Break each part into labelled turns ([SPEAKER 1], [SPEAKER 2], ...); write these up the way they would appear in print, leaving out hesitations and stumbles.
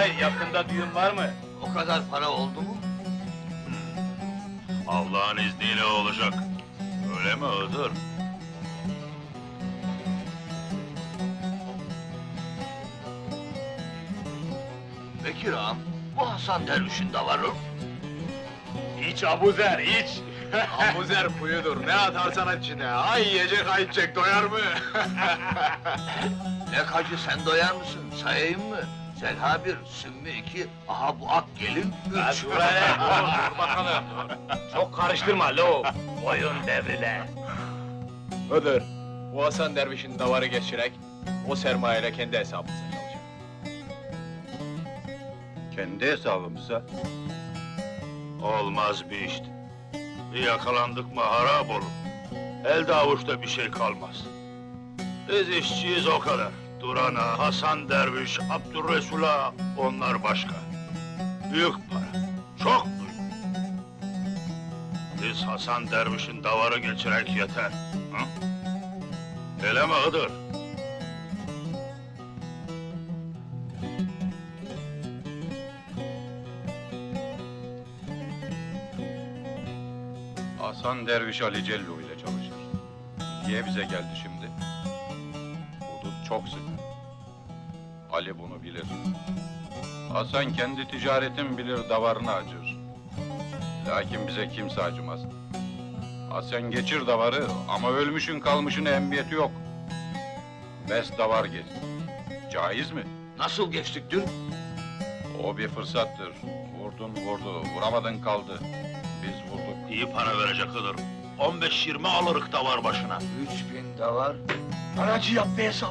[SPEAKER 1] yakında düğün var mı?
[SPEAKER 2] O kadar para oldu mu?
[SPEAKER 3] Allah'ın izniyle olacak. Öyle mi Hıdır?
[SPEAKER 2] Bekir ağam, bu Hasan Derviş'in davarı.
[SPEAKER 1] İç Abuzer, iç!
[SPEAKER 4] Abuzer kuyudur, ne atarsan içine. Ay yiyecek, ay içecek, doyar mı?
[SPEAKER 2] Lekacı sen doyar mısın? Sayayım mı? Zelha 1, Sümmü 2, aha bu ak gelin 3.
[SPEAKER 1] Dur hele, dur bakalım! Çok karıştırma lo! Boyun devrile!
[SPEAKER 4] Öder, bu Hasan Derviş'in davarı geçirek, o sermayeyle kendi hesabımıza çalışacak.
[SPEAKER 3] Kendi hesabımıza. Olmaz bir işte. Bir yakalandık mı harap olur. Elde avuçta bir şey kalmaz. Biz işçiyiz o kadar. Duran'a, Hasan Derviş, Abdurresul'a, onlar başka. Büyük para, çok büyük. Biz Hasan Derviş'in davarı geçirek yeter. Hı? Öyle mi Hıdır?
[SPEAKER 5] Hasan Derviş Ali Cello ile çalışır. Niye bize geldi şimdi? Hudut çok sık. Ali bunu bilir. Hasan kendi ticaretin bilir, davarını acır. Lakin bize kimse acımaz. Hasan geçir davarı ama ölmüşün kalmışın ehemmiyeti yok. Bes davar geç. Caiz mi?
[SPEAKER 2] Nasıl geçtik dün?
[SPEAKER 5] O bir fırsattır. Vurdun vurdu, vuramadın kaldı. Biz vurduk.
[SPEAKER 3] İyi para verecek Hıdır. 15-20 alırık davar başına.
[SPEAKER 2] 3000 davar. Paracı yap bir hesap.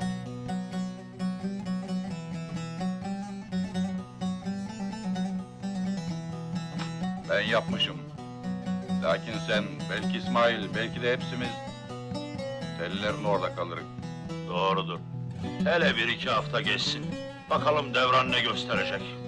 [SPEAKER 5] Ben yapmışım. Lakin sen, belki İsmail, belki de hepsimiz... ...tellerin orada kalırız.
[SPEAKER 3] Doğrudur. Hele bir iki hafta geçsin. Bakalım devran ne gösterecek.